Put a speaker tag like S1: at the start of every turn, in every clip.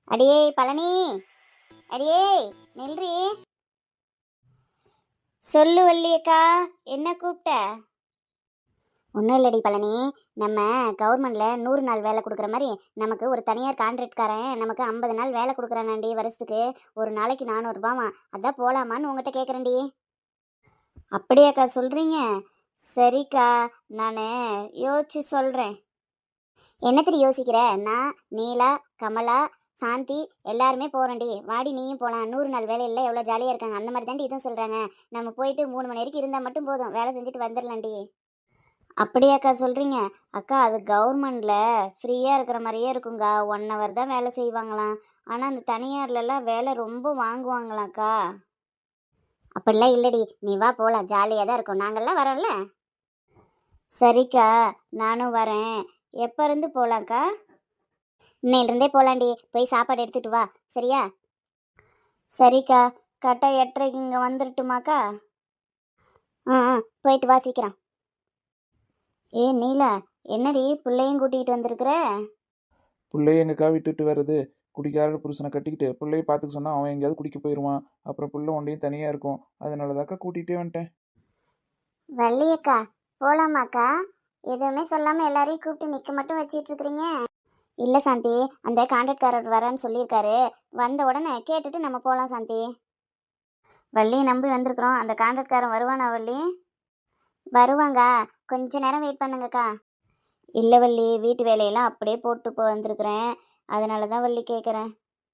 S1: அடியே பழனி, அடியே நில்றி. சொல்லு வள்ளியக்கா, என்ன கூப்பிட்ட? ஒன்றும் இல்லடி பழனி, நம்ம கவர்மெண்ட்ல 100 நாள் வேலை கொடுக்குற மாதிரி நமக்கு ஒரு தனியார் கான்ட்ராக்ட்காரன் நமக்கு 50 நாள் வேலை கொடுக்குறானாண்டி. வருஷத்துக்கு ஒரு நாளைக்கு 400 ரூபாமா. அதான் போகலாமான்னு உங்ககிட்ட கேட்குறேன்டி. அப்படியாக்கா சொல்கிறீங்க? சரிக்கா, நான் யோசிச்சு சொல்கிறேன். என்னத்திரி யோசிக்கிற? நான், நீலா, கமலா, சாந்தி எல்லாருமே போகிறோண்டி. வாடி நீயும் போகலாம். 100 நாள் வேலையில் எவ்வளோ ஜாலியாக இருக்காங்க. அந்த மாதிரி தாண்டி இதுவும் சொல்கிறாங்க. நம்ம போயிட்டு 3 மணி வரைக்கும் இருந்தால் மட்டும் போதும், வேலை செஞ்சுட்டு வந்துடலாண்டி. அப்படியாக்கா சொல்கிறீங்க? அக்கா, அது கவர்மெண்டில் ஃப்ரீயாக இருக்கிற மாதிரியே இருக்குங்க. 1 ஹவர் தான் வேலை செய்வாங்களாம். ஆனால் அந்த தனியார்லலாம் வேலை ரொம்ப வாங்குவாங்களாக்கா. அப்படிலாம் இல்லடி, நீ வா போகலாம், ஜாலியாக தான் இருக்கும். நாங்கள்லாம் வரோம்ல. சரிக்கா, நானும் வரேன். எப்போ இருந்து போகலாங்க்கா? இன்னையிலிருந்தே போகலாண்டி. போய் சாப்பாடு எடுத்துகிட்டு வா, சரியா? சரிக்கா, கரெக்டாக 8:30க்கு இங்கே வந்துடட்டுமாக்கா? போயிட்டு வா சீக்கிரம். ஏ நீலா, என்னடி பிள்ளையும் கூட்டிகிட்டு வந்திருக்கிற?
S2: பிள்ளைய எங்கக்கா விட்டுட்டு வர்றது? குடிக்கார புருஷனை கட்டிக்கிட்டு பிள்ளைய பார்த்துக்க சொன்னால் அவன் எங்கேயாவது குடிக்க போயிடுவான். அப்புறம் புள்ள ஒன்றையும் தனியாக இருக்கும். அதனால தாக்கா கூட்டிகிட்டே வந்துட்டேன்.
S1: வள்ளியக்கா, போகலாமாக்கா? எதுவுமே சொல்லாமல் எல்லாரையும் கூப்பிட்டு நிற்க மட்டும் வச்சிட்டு இருக்கிறீங்க. இல்லை சாந்தி, அந்த கான்ட்ராக்ட்காரர் வரேன்னு சொல்லியிருக்காரு. வந்த உடனே கேட்டுட்டு நம்ம போகலாம் சாந்தி. வள்ளியை நம்பி வந்திருக்கிறோம். அந்த கான்ட்ராக்ட்காரன் வருவானா வள்ளி? வருவாங்க, கொஞ்ச நேரம் வெயிட் பண்ணுங்கக்கா. இல்லை வள்ளி, வீட்டு வேலையெல்லாம் அப்படியே போட்டு வந்திருக்கிறேன். அதனால தான் வள்ளி கேட்குறேன்.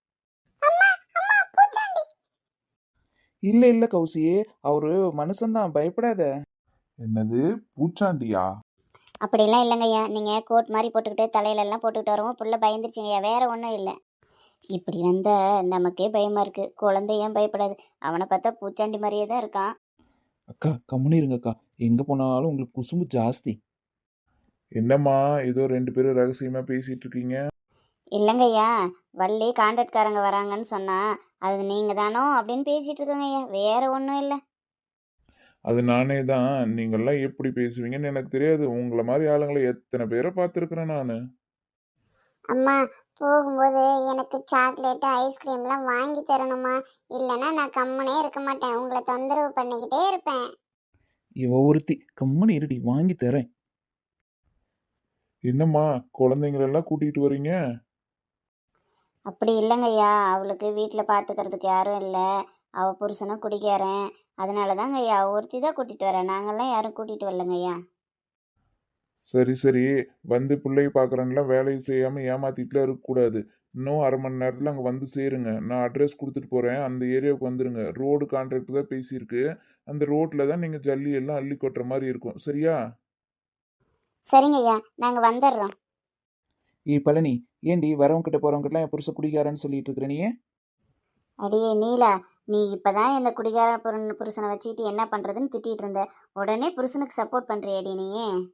S2: இல்லை இல்லை கௌசி, அவரு மனுஷன்தான், பயப்படாத. என்னது பூச்சாண்டியா?
S1: அப்படிலாம் இல்லைங்கய்யா. நீங்கள் கோட் மாதிரி போட்டுக்கிட்டு தலையிலெல்லாம் போட்டுக்கிட்டு வரவும் புள்ள பயந்துருச்சுங்கய்யா, வேற ஒன்றும் இல்லை. இப்படி வந்த நமக்கே பயமாக இருக்குது. குழந்தை ஏன் பயப்படாது? அவனை பார்த்தா பூச்சாண்டி மாதிரியே தான் இருக்கான்.
S2: அக்கா கம்முனு இருங்கக்கா, எங்கே போனாலும் உங்களுக்கு குசும்பு ஜாஸ்தி. என்னம்மா ஏதோ 2 பேரும் ரகசியமாக பேசிட்டு இருக்கீங்க?
S1: இல்லைங்கய்யா, வள்ளி கான்ட்ராக்ட்காரங்க வராங்கன்னு சொன்னா அது நீங்கள் தானோ அப்படின்னு பேசிகிட்டு இருக்கோங்கய்யா, வேற ஒன்றும் இல்லை.
S2: அது நானே தான். நீங்கள்லாம் எப்படி பேசுவீங்கன்னு எனக்கு தெரியாது. உங்களை மாதிரி ஆளுங்களை எத்தனை பேரை பார்த்துருக்குறேன் நான்.
S1: அம்மா, போகும்போது எனக்கு சாக்லேட்டு ஐஸ்கிரீம்லாம் வாங்கி தரணுமா? இல்லைன்னா நான் கம்முனே இருக்க மாட்டேன், உங்களை தொந்தரவு பண்ணிக்கிட்டே இருப்பேன்.
S2: இவ ஒருத்தி, கம்முனு இருடி, வாங்கி தரேன். என்னம்மா குழந்தைங்களெல்லாம் கூட்டிகிட்டு வரீங்க?
S1: அப்படி இல்லைங்கய்யா, அவளுக்கு வீட்டில் பார்த்துக்கிறதுக்கு யாரும் இல்லை. அவள் புருஷனும் குடிக்காரன். அதனால தாங்க ஐயா ஒருத்தி தான் கூட்டிகிட்டு வரேன். நாங்கள்லாம் யாரும் கூட்டிகிட்டு வரலங்கய்யா.
S2: சரி சரி, வந்து பிள்ளைய பார்க்குறேன்லாம் வேலையை செய்யாமல் ஏமாத்திட்டுலாம் இருக்கக்கூடாது. இன்னும் 1/2 மணி நேரத்தில் அங்கே வந்து சேருங்க. நான் அட்ரஸ் கொடுத்துட்டு போகிறேன், அந்த ஏரியாவுக்கு வந்துடுங்க. ரோடு கான்ட்ராக்ட் தான் பேசியிருக்கு. அந்த ரோட்டில் தான் நீங்கள் ஜல்லி எல்லாம் அள்ளி கொட்டுற மாதிரி இருக்கும், சரியா?
S1: சரிங்கய்யா, நாங்கள் வந்துடுறோம்.
S2: பழனி, ஏண்டி வரவங்கிட்ட போகிறவங்கிட்டலாம் என் புருஷன் குடிக்காரன்னு சொல்லிட்டு இருக்கிற நீ?
S1: அடியே நீலா, நீ இப்பதான் இந்த குடிகார புருஷனை வச்சுக்கிட்டு என்ன பண்ணுறதுன்னு திட்டிகிட்டு இருந்த. உடனே புருஷனுக்கு சப்போர்ட் பண்ணுறியடி நீ?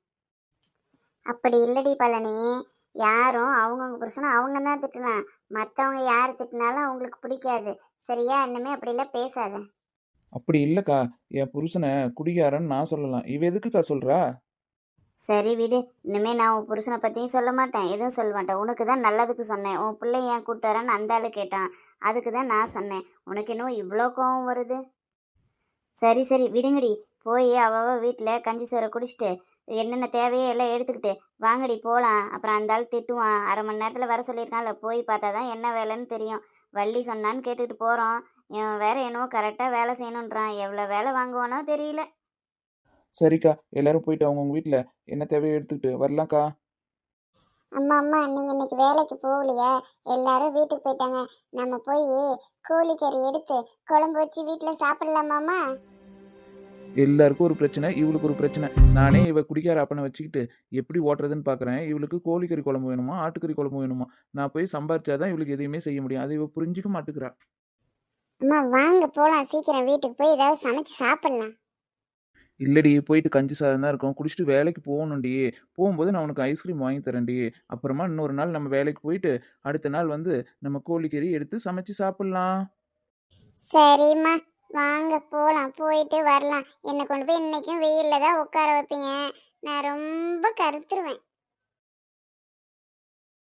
S1: அப்படி இல்லடி பழனி, யாரும் அவங்கவுங்க புருஷனை அவங்க தான் திட்டலாம். மற்றவங்க யார் திட்டினாலும் அவங்களுக்கு பிடிக்காது, சரியா? இன்னுமே அப்படிலாம் பேசாத.
S2: அப்படி இல்லைக்கா, என் புருஷனை குடிகாரன்னு நான் சொல்லலாம். இவ எதுக்குக்கா சொல்கிறா?
S1: சரி விடு, இனிமே நான் உன் புருஷனை பற்றியும் சொல்ல மாட்டேன், எதுவும் சொல்ல மாட்டேன். உனக்கு தான் நல்லதுக்கு சொன்னேன். உன் பிள்ளை ஏன் கூப்பிட்டு வரேன்னு அந்த ஆளு கேட்டான், அதுக்கு தான் நான் சொன்னேன். உனக்கு இன்னும் இவ்வளோ கோவம் வருது? சரி சரி விடுங்கடி. போய் அவ வீட்டில் கஞ்சி சோறை குடிச்சிட்டு என்னென்ன தேவையோ எல்லாம் எடுத்துக்கிட்டு வாங்கடி போகலாம். அப்புறம் அந்த ஆள் திட்டுவான். 1/2 மணி நேரத்தில் வர சொல்லியிருக்கான்ல, போய் பார்த்தா தான் என்ன வேலைன்னு தெரியும். வள்ளி சொன்னான்னு கேட்டுக்கிட்டு போகிறோம். இவன் வேற என்னவோ கரெக்டாக வேலை செய்யணுன்றான். எவ்வளோ வேலை வாங்குவானோ தெரியல.
S2: சரிக்கா, எல்லாரும் போயிட்டு அவங்கவுங்க வீட்டில் என்ன தேவையோ எடுத்துக்கிட்டு வரலாம்க்கா.
S1: அம்மா அம்மா, நீங்கள் இன்னைக்கு வேலைக்கு போகலையா? எல்லாரும் வீட்டுக்கு போயிட்டாங்க. நம்ம போய் கோழிக்கறி எடுத்து குழம்பு வச்சு வீட்டில் சாப்பிடலாமாம்மா?
S2: எல்லாருக்கும் ஒரு பிரச்சனை, இவளுக்கு ஒரு பிரச்சனை. நானே இவ குடிக்கார அப்பனை வச்சுக்கிட்டு எப்படி ஓட்டுறதுன்னு பார்க்குறேன். இவளுக்கு கோழிக்கறி குழம்பு வேணுமா, ஆட்டுக்கறி குழம்பு வேணுமா? நான் போய் சம்பாரிச்சாதான் இவளுக்கு எதையுமே செய்ய முடியும். அதை இவ புரிஞ்சிக்க மாட்டேங்கிறா.
S1: அம்மா வாங்க போகலாம், சீக்கிரம் வீட்டுக்கு போய் ஏதாவது சமைச்சு சாப்பிடலாம்.
S2: இல்லடி, போயிட்டு கஞ்சி சாதம் தான் இருக்கும், குடிச்சிட்டு வேலைக்கு போகணும்டி. போகும்போது நான் உனக்கு ஐஸ்கிரீம் வாங்கி தரேன்டி. அப்புறமா இன்னொரு நாள் நம்ம வேலைக்கு போயிட்டு அடுத்த நாள் வந்து நம்ம கோழிக்கறி எடுத்து சமைச்சு சாப்பிட்லாம்.
S1: சரிம்மா, வாங்க போகலாம், போயிட்டு வரலாம். என்னை கொண்டு போய் இன்னைக்கும் வெயிலில் தான் உட்கார வைப்பீங்க, நான் ரொம்ப கருத்துருவேன்.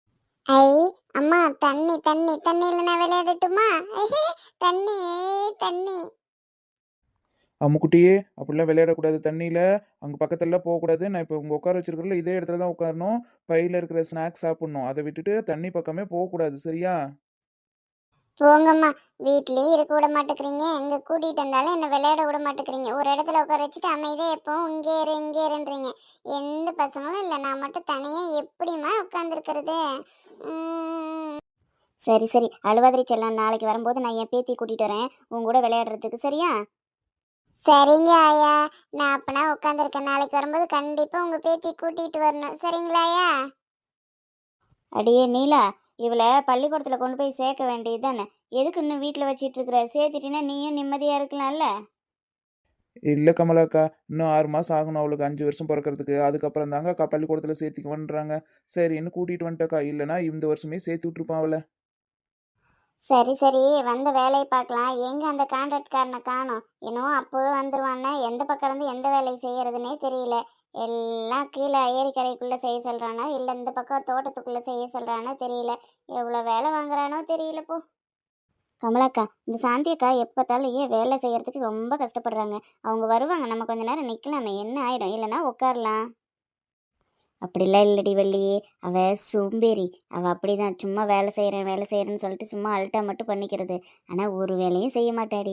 S1: ஐ அம்மா தண்ணி தண்ணி தண்ணியில நான் விளையாடட்டுமா தண்ணி தண்ணி.
S3: அம்முக்குட்டியே அப்படிலாம் விளையாடக்கூடாது தண்ணியில். அங்கே பக்கத்துலலாம் போகக்கூடாது. நான் இப்போ உங்கள் உட்கார வச்சிருக்கிறதுல இதே இடத்துல தான் உட்காரணும். பையில் இருக்கிற ஸ்நாக்ஸ் சாப்பிட்ணும். அதை விட்டுட்டு தண்ணி பக்கமே போகக்கூடாது, சரியா?
S1: போங்கம்மா, வீட்லயே இருக்க விட மாட்டேங்கிறீங்க, எங்க கூட்டிட்டு வந்தாலும் என்ன விளையாட விட மாட்டேங்கிறீங்க. ஒரு இடத்துல உட்கார வச்சுட்டு அமைதியா எப்பவும் இங்கே இரு இங்கே இருன்றீங்க. எந்த பசங்களும் இல்லை, நான் மட்டும் தனியா எப்படிம்மா உட்காந்துருக்கிறது? சரி சரி, அழுவாதிரி செல்லம். நாளைக்கு வரும்போது நான் என் பேத்தி கூட்டிட்டு வரேன் உன் கூட விளையாடுறதுக்கு, சரியா? சரிங்க ஆயா, நான் அப்பனா உட்காந்துருக்கேன். நாளைக்கு வரும்போது கண்டிப்பா உங்க பேத்தி கூட்டிட்டு வரணும், சரிங்களா ஆயா? அடியே நீலா, இவளை பள்ளிக்கூடத்தில் கொண்டு போய் சேர்க்க வேண்டியது தானே? எதுக்கு இன்னும் வீட்டில் வச்சிட்டு இருக்கிற? சேர்த்துட்டினா நீயும் நிம்மதியாக இருக்கலாம்ல.
S3: இல்லை கமலாக்கா, இன்னும் 6 மாதம் ஆகணும் அவளுக்கு 5 வருஷம் பிறக்கிறதுக்கு. அதுக்கப்புறம் தாங்க அக்கா பள்ளிக்கூடத்தில் சேர்த்திக்குவன்றாங்க. சரின்னு கூட்டிகிட்டு வந்துட்டக்கா. இல்லைனா இந்த வருஷமே சேர்த்து விட்ருப்பான் அவளை.
S1: சரி சரி, வந்த வேலையை பார்க்கலாம். எங்கே அந்த கான்ட்ராக்ட்காரனை காணோம்? என்னவோ அப்போவே வந்துடுவான்னா எந்த பக்கம் இருந்து எந்த வேலையை செய்யறதுனே தெரியல. எல்லாம் கீழே ஏரிக்கரைக்குள்ளே செய்ய சொல்கிறானோ இல்லை இந்த பக்கம் தோட்டத்துக்குள்ளே செய்ய சொல்கிறானோ தெரியல. எவ்வளோ வேலை வாங்குறானோ தெரியல போ. கமலாக்கா, இந்த சாந்தி அக்கா எப்போ பார்த்தாலும் ஏன் வேலை செய்யறதுக்கு ரொம்ப கஷ்டப்படுறாங்க. அவங்க வருவாங்க, நம்ம கொஞ்ச நேரம் நிற்கலாமே, என்ன ஆயிடும்? இல்லைன்னா உட்காரலாம். அப்படிலாம் இல்லடி வள்ளி, அவ சோம்பேறி. அவ அப்படிதான், சும்மா வேலை செய்கிறேன் வேலை செய்கிறேன்னு சொல்லிட்டு சும்மா அல்ட்டா மட்டும் பண்ணிக்கிறது. ஆனால் ஒரு வேலையும் செய்ய மாட்டாடி.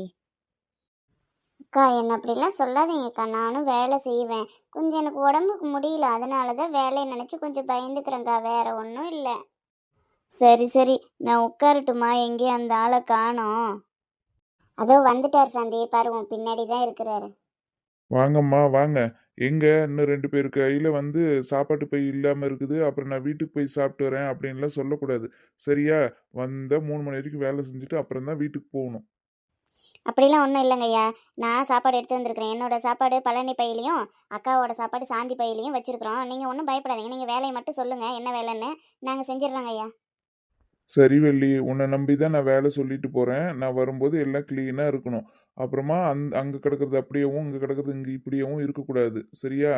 S1: அக்கா, என்ன அப்படிலாம் சொல்லாதீங்கக்கா. நானும் வேலை செய்வேன். கொஞ்சம் எனக்கு உடம்புக்கு முடியல, அதனால தான் வேலையை நினச்சி கொஞ்சம் பயந்துக்கிறேங்க்கா, வேற ஒன்றும் இல்லை. சரி சரி, நான் உட்காரட்டுமா? எங்கே அந்த ஆளை காணோம்? அதோ வந்துட்டார் சாந்தி, பாரு உன் பின்னாடி தான் இருக்கிறாரு.
S2: வாங்கம்மா வாங்க. எங்க இன்னும் 2 பேர் கையில வந்து சாப்பாட்டு பை இல்லாம இருக்குது. அப்புறம் நான் வீட்டுக்கு போய் சாப்பிட்டு வரேன் அப்படின்லாம் சொல்லக்கூடாது. சரியா? வந்தா 3 மணி வரைக்கும் வேலை செஞ்சுட்டு அப்புறம் தான் வீட்டுக்கு போகணும்.
S1: அப்படிலாம் ஒன்றும் இல்லைங்க ஐயா. நான் சாப்பாடு எடுத்து வந்திருக்கிறேன். என்னோட சாப்பாடு பழனி பையிலையும் அக்காவோட சாப்பாடு சாந்தி பையிலையும் வச்சிருக்கிறோம். நீங்கள் ஒன்றும் பயப்படாதீங்க. நீங்கள் வேலையை மட்டும் சொல்லுங்கள், என்ன வேலைன்னு நாங்கள் செஞ்சிடுறோங்க ஐயா.
S2: சரி வள்ளி, உன்னை நம்பி தான் நான் வேலை சொல்லிட்டு போறேன். நான் வரும்போது எல்லாம் கிளீனா இருக்கணும். அப்புறமா அங்க கிடக்குறது அப்படியேவும் இங்க கிடக்குறது இங்க இப்படியேவும் இருக்கக்கூடாது. சரியா?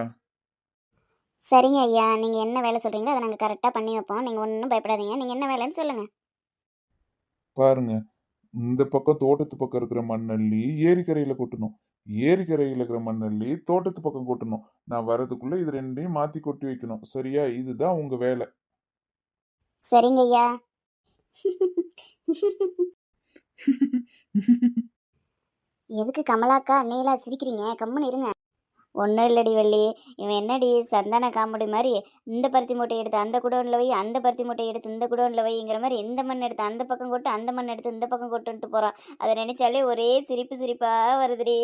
S1: சரிங்க ஐயா, நீங்கள் என்ன வேலை சொல்கிறீங்களோ அதை நாங்கள் கரெக்டாக பண்ணி வைப்போம். நீங்கள் ஒன்றும் பயப்படாதீங்க. நீங்கள் என்ன வேலைன்னு சொல்லுங்கள்.
S2: பாருங்க, இந்த பக்கம் தோட்டத்து பக்கம் இருக்கிற மண்ணள்ளி ஏரிக்கரையில கொட்டணும். ஏரிக்கரையில இருக்கிற மண்ணள்ளி தோட்டத்து பக்கம் கொட்டணும். நான் வர்றதுக்குள்ள இது ரெண்டையும் மாத்தி கொட்டி வைக்கணும். சரியா? இதுதான் உங்க வேலை.
S1: சரிங்க ஐயா. எதுக்கு கமலாக்கா நீலா சிரிக்கிறீங்க? கம்முன்னு இருங்க. ஒன்றும் இல்லடி வள்ளி, இவன் என்னடி சந்தான காமெடி மாதிரி இந்த பருத்தி மூட்டை எடுத்து அந்த குடோனில் வை, அந்த பருத்தி மூட்டை எடுத்து இந்த குடோனில் வைங்கிற மாதிரி இந்த மண் எடுத்து அந்த பக்கம் கொட்டு, அந்த மண் எடுத்து இந்த பக்கம் கொட்டுன்ட்டு போகிறான். அதை நினைச்சாலே ஒரே சிரிப்பு சிரிப்பாக வருதுடி.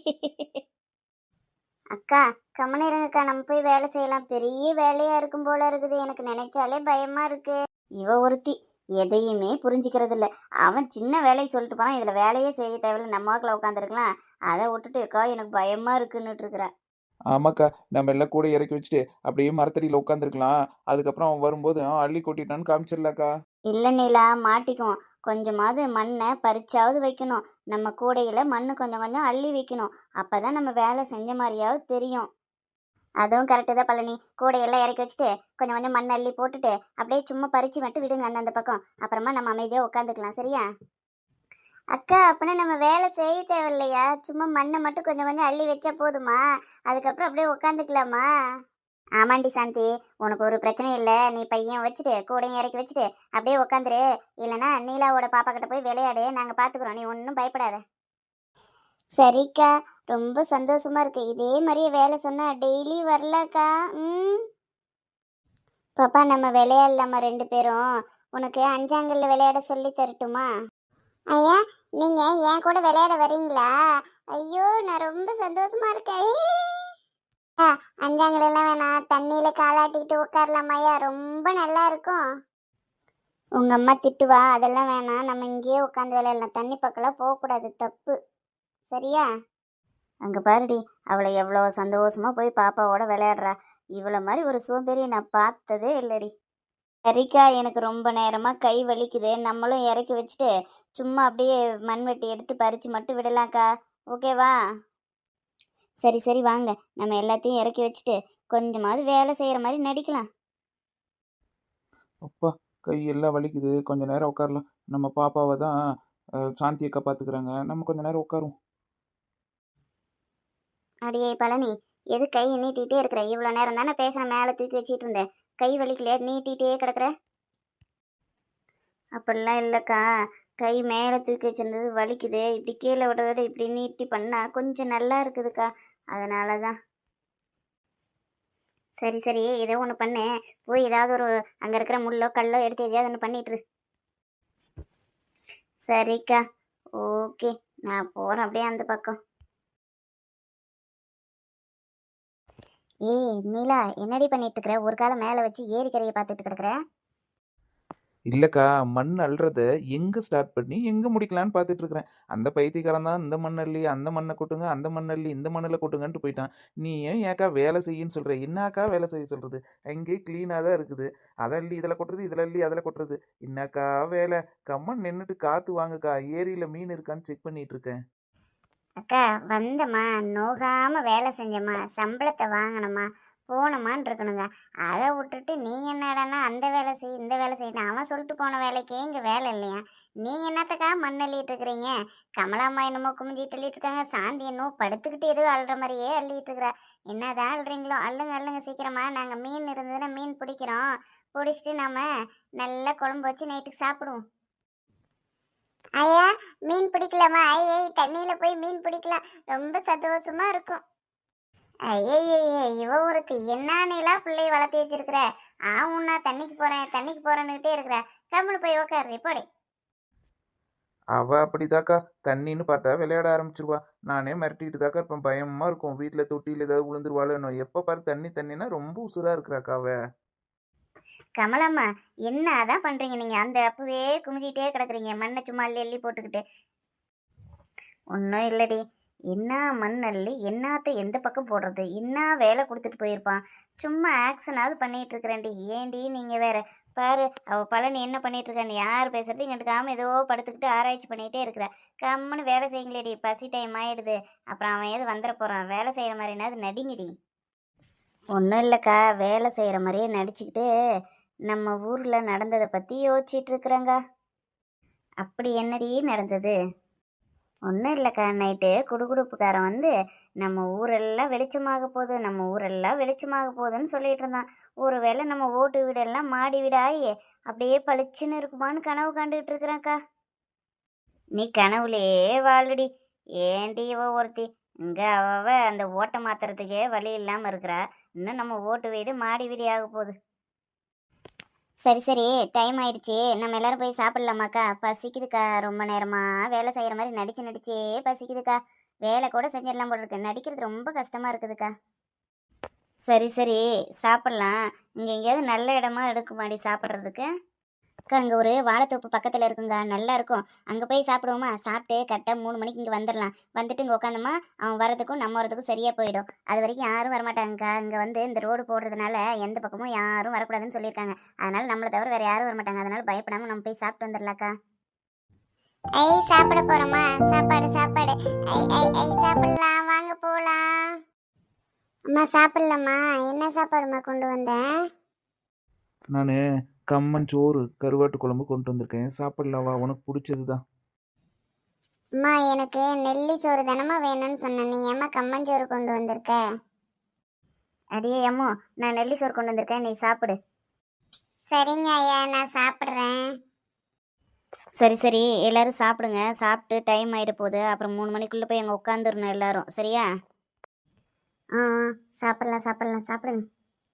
S1: அக்கா, கம்மனு இருங்கக்கா, நம்ம போய் வேலை செய்யலாம். பெரிய வேலையாக இருக்கும் போல இருக்குது, எனக்கு நினைச்சாலே பயமாக இருக்கு. இவ ஒருத்தி எதையுமே புரிஞ்சிக்கிறது இல்லை. அவன் சின்ன வேலையை சொல்லிட்டு போகிறான், இதில் வேலையே செய்ய தேவையில்லை, நம்ம வாக்கில் உட்காந்துருக்கலாம். அதை விட்டுட்டு அக்கா எனக்கு பயமாக இருக்குன்னுட்டு இருக்கிற.
S3: ஆமாக்கா, நம்ம எல்லாம் கூட இறக்கி வச்சுட்டு அப்படியே மரத்தடியில் உட்காந்துருக்கலாம். அதுக்கப்புறம் அவன் வரும்போது அள்ளி கொட்டிட்டான்னு காமிச்சிடலாக்கா.
S1: இல்லை நீலா, மாட்டிக்கும். கொஞ்சமாவது மண்ணை பறிச்சாவது வைக்கணும். நம்ம கூடையில் மண் கொஞ்சம் கொஞ்சம் அள்ளி வைக்கணும். அப்போ தான் நம்ம வேலை செஞ்ச மாதிரியாவது தெரியும். அதுவும் கரெக்டு தான் பழனி. கூடையெல்லாம் இறக்கி வச்சுட்டு கொஞ்சம் கொஞ்சம் மண் அள்ளி போட்டுட்டு அப்படியே சும்மா பறித்து மட்டும் விடுங்க அந்தந்த பக்கம். அப்புறமா நம்ம அமைதியாக உட்காந்துக்கலாம், சரியா? அக்கா, அப்படின்னா நம்ம வேலை செய்ய தேவையில்லையா? சும்மா மண்ணை மட்டும் கொஞ்சம் கொஞ்சம் அள்ளி வச்சா போதுமா? அதுக்கப்புறம் அப்படியே உட்காந்துக்கலாமா? ஆமாண்டி சாந்தி, உனக்கு ஒரு பிரச்சனையும் இல்லை. நீ பையன் வச்சுட்டு கூடையும் இறக்கி வச்சுட்டு அப்படியே உட்காந்துரு. இல்லைனா நீலாவோட பாப்பா கிட்ட போய் விளையாடு, நாங்கள் பார்த்துக்குறோம். நீ ஒன்றும் பயப்படாத. சரிக்கா, ரொம்ப சந்தோஷமா இருக்கு. இதே மாதிரியே வேலை சொன்னா டெய்லி வரலக்கா. பாப்பா, நம்ம விளையாடலாமா 2 பேரும்? உனக்கு அஞ்சாங்கல்ல விளையாட சொல்லி தரட்டுமா? ஐயா, நீங்க என் கூட விளையாட வரீங்களா? ஐயோ, நான் ரொம்ப சந்தோஷமா இருக்கேன். அஞ்சாங்கல் எல்லாம் வேணாம், தண்ணியில காலாட்டிக்கிட்டு உட்காரலாமாயா? ரொம்ப நல்லா இருக்கும். உங்க அம்மா திட்டுவா, அதெல்லாம் வேணாம். நம்ம இங்கேயே உட்காந்து விளையாடலாம். தண்ணி பக்கம்லாம் போகக்கூடாது, தப்பு. சரியா? அங்க பாருடி, அவளை எவ்வளோ சந்தோஷமா போய் பாப்பாவோட விளையாடுறா. இவ்வளோ மாதிரி ஒரு சோம்பேறியை நான் பார்த்ததே இல்லடி. சரிக்கா, எனக்கு ரொம்ப நேரமாக கை வலிக்குது. நம்மளும் இறக்கி வச்சுட்டு சும்மா அப்படியே மண்வெட்டி எடுத்து பறித்து மட்டும் விடலாம்க்கா. ஓகேவா? சரி சரி, வாங்க. நம்ம எல்லாத்தையும் இறக்கி வச்சுட்டு கொஞ்சமாவது வேலை செய்கிற மாதிரி நடிக்கலாம்.
S3: அப்பா, கையெல்லாம் வலிக்குது, கொஞ்ச நேரம் உட்காரலாம். நம்ம பாப்பாவை தான் சாந்தி அக்கா பார்த்துக்கிறாங்க, நம்ம கொஞ்ச நேரம் உட்காருவோம்.
S1: அடியே பழனி, எது கை நீட்டிகிட்டே இருக்கிற? இவ்வளோ நேரம் தானே பேசுகிறேன், மேலே தூக்கி வச்சிட்டு இருந்தேன். கை வலிக்கலையா? நீட்டிகிட்டே கிடக்குற. அப்படிலாம் இல்லைக்கா, கை மேலே தூக்கி வச்சிருந்தது வலிக்குது. இப்படி கீழே விடுறத விட இப்படி நீட்டி பண்ணால் கொஞ்சம் நல்லா இருக்குதுக்கா, அதனால தான். சரி சரி, ஏதோ ஒன்று பண்ணு. போய் ஏதாவது ஒரு அங்கே இருக்கிற முள்ளோ கல்லோ எடுத்து எதையாவது ஒன்று பண்ணிட்டுரு. சரிக்கா, ஓகே, நான் போகிறேன் அப்படியே அந்த பக்கம். ஏய் நீலா, என்னடி பண்ணிட்டு இருக்கிற? ஒரு காலம் மேலே வச்சு ஏரிக்கரையை பார்த்துட்டு கிடக்குற.
S3: இல்லைக்கா, மண் அள்ளுறத எங்கே ஸ்டார்ட் பண்ணி எங்கே முடிக்கலான்னு பார்த்துட்டு இருக்கிறேன். அந்த பைத்தியக்காரன் தான் இந்த மண் அள்ளி அந்த மண்ணை கொட்டுங்க, அந்த மண் அள்ளி இந்த மண்ணில் கொட்டுங்கன்ட்டு போயிட்டான். நீ ஏன்க்கா வேலை செய்யின்னு சொல்கிற? என்னக்கா வேலை செய்ய சொல்கிறது? அங்கேயே க்ளீனாக தான் இருக்குது. அதை அள்ளி இதில் கொட்டுறது, இதில் அள்ளி அதில் கொட்டுறது. என்னக்கா வேலை? கம்மன் நின்றுட்டு காற்று வாங்குக்கா. ஏரியில் மீன் இருக்கான்னு செக் பண்ணிட்டு இருக்கேன்.
S1: அக்கா வந்தம்மா, நோகாமல் வேலை செஞ்சம்மா, சம்பளத்தை வாங்கினம்மா, போனோமான்னு இருக்கணுங்க. அதை விட்டுட்டு நீங்கள் என்னடான்னா அந்த வேலை செய் இந்த வேலை செய்யணும். அவன் சொல்லிட்டு போன வேலைக்கே இங்கே வேலை இல்லையா? நீங்கள் என்னத்தக்கா மண் அள்ளிட்டு இருக்கிறீங்க? கமலாம்மா என்னமோ குமிஞ்சிட்டு அள்ளிட்டு இருக்காங்க, சாந்தி என்னமோ படுத்துக்கிட்டு எதுவும் அள்ளுற மாதிரியே அள்ளிட்டு இருக்கிறா. என்னதான் அள்ளுறீங்களோ அள்ளுங்க அள்ளுங்க சீக்கிரமா. நாங்கள் மீன் இருந்ததுன்னா மீன் பிடிக்கிறோம், பிடிச்சிட்டு நம்ம நல்லா குழம்பு வச்சு நைட்டுக்கு சாப்பிடுவோம். ஐயா, மீன் பிடிக்கலாமா? ஐயே, தண்ணியில் போய் மீன் பிடிக்கலாம், ரொம்ப சந்தோஷமா இருக்கும். ஐயே, இவ ஒருத்தி என்னானேலாம் பிள்ளைய வளர்த்தி வச்சிருக்கிற. உன்னா தண்ணிக்கு போறேன்னுகிட்டே இருக்கிற. கம்முனு போய் உக்காரு போடி.
S3: அவள் அப்படிதாக்கா, தண்ணின்னு பார்த்தா விளையாட ஆரம்பிச்சிருவா. நானே மிரட்டிக்கிட்டு தாக்கா இருப்பேன். பயமாக இருக்கும், வீட்டில் தொட்டியில் ஏதாவது விழுந்துருவாளோ. எப்போ பாரு தண்ணின்னா ரொம்ப உசுராக இருக்கிறாக்கா அவ.
S1: கமலம்மா, என்ன அதான் பண்றீங்க நீங்க? அந்த அப்பவே குமிஞ்சிட்டே கிடக்குறீங்க, மண்ணை சும்மா அள்ளி அள்ளி போட்டுக்கிட்டு. ஒன்றும் இல்லடி, என்ன மண் அள்ளி என்னத்த எந்த பக்கம் போடுறது? என்ன வேலை கொடுத்துட்டு போயிருப்பான். சும்மா ஆக்ஷனாவது பண்ணிட்டு இருக்கிறேன்டி. ஏண்டி நீங்க வேற பாரு, அவ பழனி என்ன பண்ணிட்டு இருக்கான்னு யார் பேசுறது இங்கிட்டுக்காம ஏதோ படுத்துக்கிட்டு ஆராய்ச்சி பண்ணிகிட்டே இருக்கிற. கம்முன்னு வேலை செய்யுங்களேடி, பசி டைம் ஆயிடுது. அப்புறம் அவன் ஏது வந்துட போறான். வேலை செய்யற மாதிரினாது நடிங்கடி. ஒன்றும் இல்லைக்கா, வேலை செய்கிற மாதிரியே நடிச்சுக்கிட்டு நம்ம ஊரில் நடந்ததை பற்றி யோசிச்சுட்டு இருக்கிறேங்க. அப்படி என்னடி நடந்தது? ஒன்றும் இல்லைக்கா, நைட்டு குடுகுடுப்புக்காரன் வந்து நம்ம ஊரெல்லாம் வெளிச்சமாக போகுது, நம்ம ஊரெல்லாம் வெளிச்சமாக போகுதுன்னு சொல்லிட்டு இருந்தான். ஒருவேளை நம்ம ஓட்டு வீடெல்லாம் மாடி வீடாயி அப்படியே பளிச்சுன்னு இருக்குமான்னு கனவு கண்டுகிட்டு இருக்கிறேன்க்கா. நீ கனவுலையே வாழுடி. ஏண்டி இவ ஒருத்தி இங்கே அவ அந்த ஓட்டை மாத்துறதுக்கே வழி இல்லாமல் இருக்கிறா, இன்னும் நம்ம ஓட்டு வீடு மாடி வீடு ஆக போகுது. சரி சரி, டைம் ஆயிடுச்சு, நம்ம எல்லாரும் போய் சாப்பிடலாமாக்கா? பசிக்குதுக்கா, ரொம்ப நேரமாக வேலை செய்கிற மாதிரி நடிச்சே பசிக்குதுக்கா. வேலை கூட செஞ்சிடலாம் போல இருக்கு, நடிக்கிறது ரொம்ப கஷ்டமாக இருக்குதுக்கா. சரி சரி, சாப்பிட்லாம். இங்கே எங்கேயாவது நல்ல இடமா எடுக்குமாடி சாப்பிட்றதுக்கு? அக்கா, அங்கே ஒரு வாழைத்தோப்பு பக்கத்தில் இருக்குங்க, நல்லா இருக்கும். அங்கே போய் சாப்பிடுவோமா? சாப்பிட்டு கரெக்டாக 3 மணிக்கு இங்கே வந்துடலாம். வந்துட்டு இங்கே உட்காந்தோமா, அவன் வரதுக்கும் நம்ம வரதுக்கும் சரியாக போயிடும். அது வரைக்கும் யாரும் வரமாட்டாங்கக்கா. இங்கே வந்து இந்த ரோடு போடுறதுனால எந்த பக்கமும் யாரும் வரக்கூடாதுன்னு சொல்லியிருக்காங்க. அதனால நம்மளை தவிர வேறு யாரும் வரமாட்டாங்க. அதனால பயப்படாமல் நம்ம போய் சாப்பிட்டு வந்துடலாக்கா. ஐ, சாப்பிட போகிறோமா? சாப்பாடு சாப்பாடு. ஐ ஐ ஐ, சாப்பிடலாம், வாங்க போகலாம். அம்மா சாப்பிடலாமா? என்ன சாப்பாடுமா கொண்டு வந்தேன்?
S3: நான் கம்மன் சோறு கருவாட்டு குழம்பு கொண்டு வந்திருக்கேன், சாப்பிடலாவா? உனக்கு பிடிச்சது தான்.
S1: அம்மா, எனக்கு நெல்லி சோறு தானம்மா வேணும்னு சொன்னேன், நீ ஏம்மா கம்மஞ்சோறு கொண்டு வந்திருக்க? அடியே அம்மோ, நான் நெல்லி சோறு கொண்டு வந்திருக்கேன், நீ சாப்பிடு. சரிங்க ஐயா, நான் சாப்பிட்றேன். சரி சரி, எல்லாரும் சாப்பிடுங்க. சாப்பிட்டு டைம் ஆகிட போகுது, அப்புறம் 3 மணிக்குள்ளே போய் அங்கே உட்காந்துடணும் எல்லாரும், சரியா? ஆ, சாப்பிட்லாம் சாப்பிட்லாம், சாப்பிடுங்க.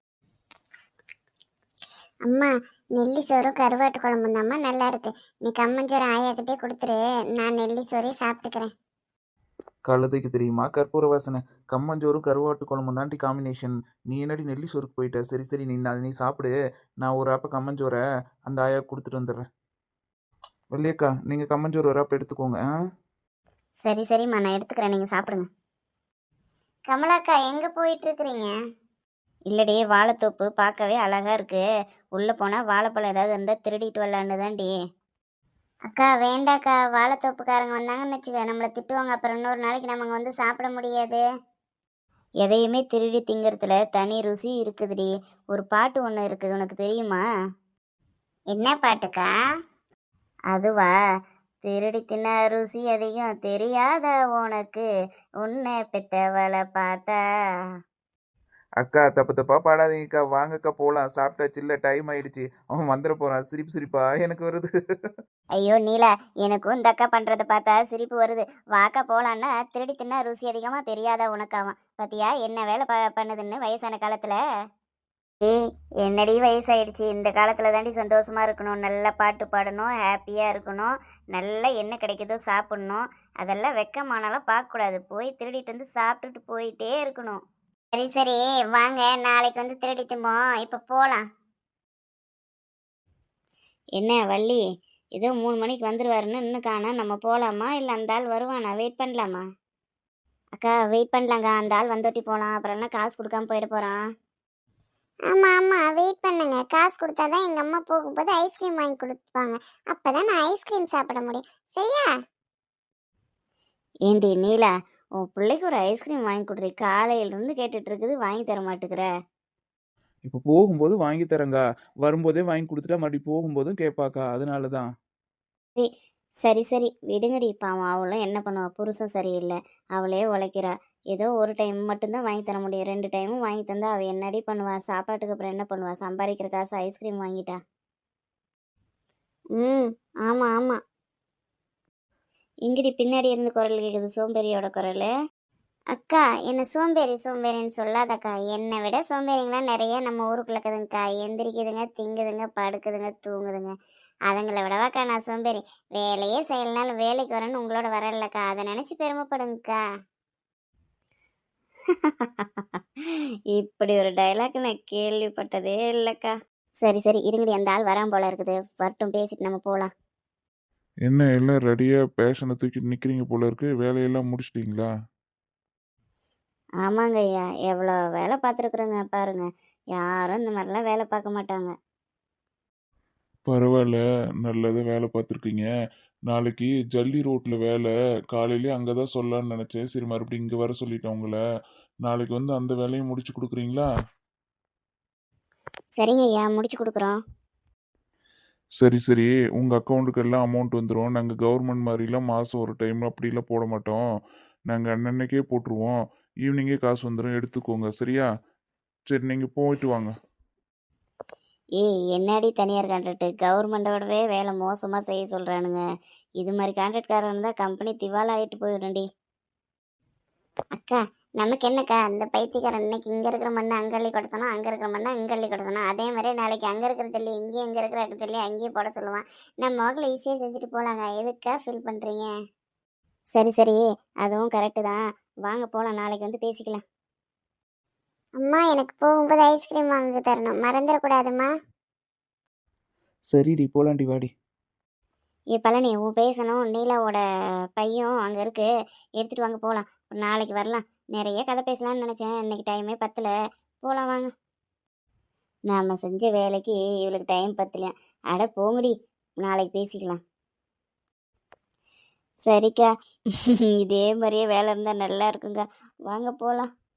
S1: அம்மா, நெல்லி சோறும் கருவாட்டு குழம்பும் தாம்மா நல்லா இருக்கு. நீ கம்மஞ்சோறு ஆயாக்கிட்டே கொடுத்துரு, நான் நெல்லி சோறே சாப்பிட்டுக்கிறேன்.
S3: கழுதைக்கு தெரியுமா கற்பூர வாசனை? கம்மஞ்சோறும் கருவாட்டு குழம்பும் தாண்டி காம்பினேஷன். நீ என்னடி நெல்லி சோறுக்கு போயிட்ட? சரி சரி, நீ சாப்பிடு. நான் ஒரு ஆப்ப கம்மஞ்சோரை அந்த ஆயா கொடுத்துட்டு வந்துடுறேன். வெள்ளியக்கா, நீங்கள் கம்மஞ்சோறு ஒரு ஆப் எடுத்துக்கோங்க.
S1: சரி சரிம்மா, நான் எடுத்துக்கிறேன், நீங்கள் சாப்பிடுங்க. கமலாக்கா, எங்கே போயிட்டு இருக்கிறீங்க? இல்லடி, வாழைத்தோப்பு பார்க்கவே அழகா இருக்கு, உள்ளே போனால் வாழைப்பழம் ஏதாவது இருந்தால் திருடிட்டு வரலான்னு தான்டி. அக்கா வேண்டாக்கா, வாழைத்தோப்புக்காரங்க வந்தாங்கன்னு வச்சுக்க, நம்மளை திட்டுவாங்க. அப்புறம் இன்னொரு நாளைக்கு நம்ம வந்து சாப்பிட முடியாது. எதையுமே திருடி திங்கிறதுல தனி ருசி இருக்குதுடி. ஒரு பாட்டு ஒன்று இருக்குது, உனக்கு தெரியுமா? என்ன பாட்டுக்கா? அதுவா? திருடி தின்ன ருசி அதிகம் தெரியாத உனக்கு, உன்னை பெத்தவளை பார்த்தா.
S3: அக்கா தப்பு தப்பா பாடாதீங்கக்கா, வாங்கக்கா போலாம். சாப்பிட்டாச்சு இல்ல, டைம் ஆயிடுச்சு. அவன் வந்துட போறான். சிரிப்பு சிரிப்பா எனக்கு வருது.
S1: ஐயோ நீலா, எனக்கும் இந்த அக்கா பண்றத பார்த்தா சிரிப்பு வருது. வாக்கா போலான்னா திருடி தின்னா ருசி அதிகமா தெரியாத உனக்காவான். பாத்தியா என்ன வேலை பண்ணுதுன்னு வயசான காலத்துல. ஏய், என்னடி வயசாயிடுச்சு, இந்த காலத்துல தாண்டி சந்தோஷமா இருக்கணும், நல்ல பாட்டு பாடணும், ஹாப்பியா இருக்கணும், நல்ல என்ன கிடைக்குதோ சாப்பிடணும். அதெல்லாம் வெக்கமானாலும் பார்க்கக்கூடாது, போய் திருடிட்டு வந்து சாப்பிட்டுட்டு போயிட்டே இருக்கணும். சரி சரி, வாங்க நாளைக்கு வந்து திருடி திம்போம், இப்ப போலாம். என்ன வள்ளி, ஏதோ 3 மணிக்கு வந்துருவாருன்னு இன்னும் காணா, நம்ம போலாமா இல்லை அந்த ஆள் வருவானா, வெயிட் பண்ணலாமா? அக்கா வெயிட் பண்ணலாங்க, அந்த ஆள் வந்தோட்டி போகலாம், அப்புறம் என்ன காசு கொடுக்காம போயிட போகிறான். ஆமாம் ஆமாம், வெயிட் பண்ணுங்க, காசு கொடுத்தாதான் எங்கள் அம்மா போகும்போது ஐஸ்கிரீம் வாங்கி கொடுப்பாங்க, அப்போ தான் நான் ஐஸ்கிரீம் சாப்பிட முடியும், சரியா? ஏண்டி நீலா, உன் பிள்ளைக்கு ஒரு ஐஸ்கிரீம் வாங்கி கொடுறி, காலையிலேருந்து கேட்டுட்டு இருக்குது, வாங்கி தர மாட்டேங்கிற.
S3: இப்போ போகும்போது வாங்கி தரேங்கா, வரும்போதே வாங்கி கொடுத்துட்டா மறுபடியும் போகும்போதும் கேட்பாக்கா, அதனால தான்.
S1: சரி சரி சரி விடுங்கடி, பாவம் அவளும் என்ன பண்ணுவா, புருஷன் சரியில்லை, அவளே உழைக்கிறா, ஏதோ ஒரு டைம் மட்டும்தான் வாங்கி தர முடியும், 2 டைமும் வாங்கி தந்தா அவள் என்னடி பண்ணுவா, சாப்பாட்டுக்கு அப்புறம் என்ன பண்ணுவா, சம்பாதிக்கிற காசு ஐஸ்கிரீம் வாங்கிட்டா. ம், ஆமாம் ஆமாம். இங்கடி பின்னாடி இருந்து குரல் கேட்குது, சோம்பேறியோட குரல். அக்கா என்ன சோம்பேறி சோம்பேறின்னு சொல்லாதக்கா, என்னை விட சோம்பேறிங்களாம் நிறைய நம்ம ஊருக்குள்ள இருக்குதுங்கக்கா, எந்திரிக்குதுங்க, திங்குதுங்க, படுக்குதுங்க, தூங்குதுங்க, அதுங்களை விடவாக்கா நான் சோம்பேறி, வேலையே செய்யலனாலும் வேலைக்கு வரேன்னு உங்களோட வரலக்கா, அதை நினச்சி பெருமைப்படுங்கக்கா. இப்படி ஒரு டைலாக் நான் கேள்விப்பட்டதே இல்லைக்கா. சரி சரி இருங்கடி, அந்த ஆள் வரான் போல இருக்குது, வரட்டும், பேசிட்டு நம்ம போகலாம்.
S2: என்ன எல்லாம் ரெடியாக பேஷனை தூக்கிட்டு நிற்கிறீங்க போல இருக்கு, வேலையெல்லாம் முடிச்சிட்டிங்களா?
S1: ஆமாங்க ஐயா, எவ்வளோ வேலை பார்த்துருக்குறோங்க பாருங்க, யாரும் இந்த மாதிரிலாம் வேலை பார்க்க மாட்டாங்க.
S2: பரவாயில்ல, நல்லதாக வேலை பார்த்துருக்கீங்க. நாளைக்கு ஜல்லி ரோட்டில் வேலை, காலையிலே அங்கே தான் சொல்லலான்னு நினச்சேன், சரி மறுபடியும் இங்கே வர சொல்லிட்டேன் உங்களை. நாளைக்கு வந்து அந்த வேலையும் முடிச்சு கொடுக்குறீங்களா?
S1: சரிங்க ஐயா, முடிச்சு கொடுக்குறோம்.
S2: சரி சரி, உங்கள் அக்கௌண்ட்டுக்கு எல்லாம் அமௌண்ட் வந்துடும். நாங்கள் கவர்மெண்ட் மாதிரிலாம் மாதம் ஒரு டைம் அப்படிலாம் போட மாட்டோம், நாங்கள் அன்னன்னைக்கே போட்டுருவோம். ஈவினிங்கே காசு வந்துடும், எடுத்துக்கோங்க சரியா? சரி நீங்கள் போயிட்டு வாங்க.
S1: ஏய் என்னடி தனியார் கான்ட்ராக்ட், கவர்மெண்டோடவே வேலை மோசமாக செய்ய சொல்கிறானுங்க, இது மாதிரி கான்ட்ராக்ட்காரன் இருந்தால் கம்பெனி திவால் ஆகிட்டு போயிடும்டி. அக்கா நமக்கு என்னக்கா, அந்த பைத்தியக்காரன் இன்னைக்கு இங்கே இருக்கிற மண்ணை அங்கே அள்ளி கொட்ட சொன்னா, அங்கே இருக்கிற மண்ணை இங்கே அள்ளி கொட்ட சொன்னா, அதே மாதிரி நாளைக்கு அங்கே இருக்கிற ஜல்லி இங்கேயும், இங்கே இருக்கிற ஜல்லி அங்கேயும் போட சொல்லுவான். நம்ம வாக்கில் ஈஸியாக செஞ்சுட்டு போகலாங்க, எதுக்கா ஃபீல் பண்ணுறீங்க? சரி சரி, அதுவும் கரெக்டு தான், வாங்க போகலாம், நாளைக்கு வந்து பேசிக்கலாம். அம்மா எனக்கு போகும்போது ஐஸ்கிரீம் வாங்கி தரணும், மறந்துடக்கூடாதும்மா.
S3: சரிடி, போலாண்டி வாடி.
S1: பழனி, உன் பேசணும், நீலாவோட பையன் அங்கே இருக்கு, எடுத்துகிட்டு வாங்க போகலாம், நாளைக்கு வரலாம். நிறைய கதை பேசலாம்னு நினச்சேன், இன்னைக்கு டைமே பத்தல, போகலாம் வாங்க. நாம் செஞ்ச வேலைக்கு இவளுக்கு டைம் பத்தலையா, அட போங்கடி, நாளைக்கு பேசிக்கலாம். சரிக்கா, இதே மாதிரியே வேலை இருந்தால் நல்லா இருக்குங்க, வாங்க போகலாம்.